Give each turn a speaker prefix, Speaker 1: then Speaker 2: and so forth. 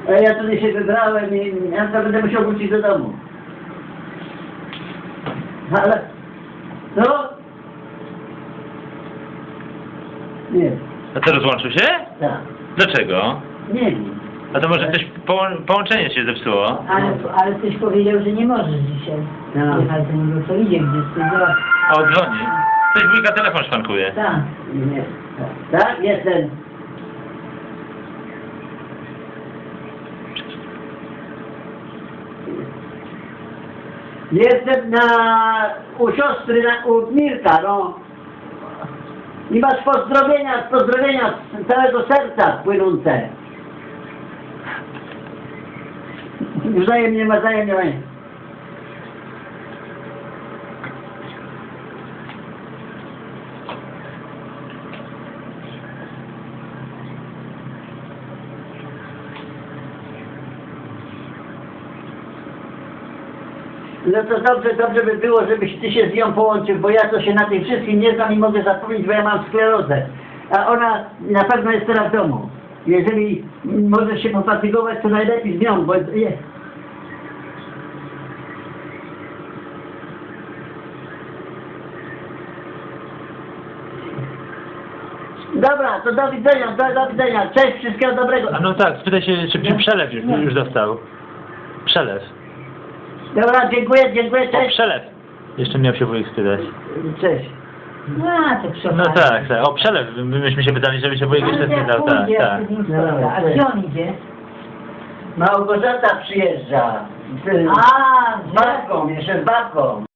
Speaker 1: A ja tutaj się wybrałem i ja to będę musiał wrócić do domu. Ale... Co? Nie.
Speaker 2: A co, rozłączył się?
Speaker 1: Tak.
Speaker 2: Dlaczego?
Speaker 1: Nie wiem.
Speaker 2: A to może coś połączenie się zepsuło?
Speaker 3: Ale ktoś powiedział, że nie możesz dzisiaj.
Speaker 1: No.
Speaker 3: Jechać do niego, co idzie gdzieś.
Speaker 2: A odzwoni. Ktoś wujka telefon szwankuje.
Speaker 3: Tak.
Speaker 1: Nie. Tak, jestem. Jestem u siostry, u Mirka, no. I masz pozdrowienia z całego serca płynące. Wzajemnie. No to dobrze by było, żebyś ty się z nią połączył, bo ja to się na tym wszystkim nie znam i mogę zapomnieć, bo ja mam sklerozę. A ona na pewno jest teraz w domu. Jeżeli możesz się pofatygować, to najlepiej z nią, bo... Dobra, to do widzenia. Cześć, wszystkiego dobrego.
Speaker 2: A no tak, spytaj się, czy przelew już dostał. Przelew.
Speaker 1: Dobra, dziękuję,
Speaker 2: O,
Speaker 1: cześć.
Speaker 2: przelew. Jeszcze miał się wujek spytać.
Speaker 1: Cześć.
Speaker 3: No, to przy
Speaker 2: No tak. O przelew. Myśmy się pytali, żeby się wujek jeszcze spytał. Tak.
Speaker 3: A gdzie on idzie?
Speaker 1: Małgorzata przyjeżdża.
Speaker 3: A,
Speaker 1: Z babką, jeszcze z babką.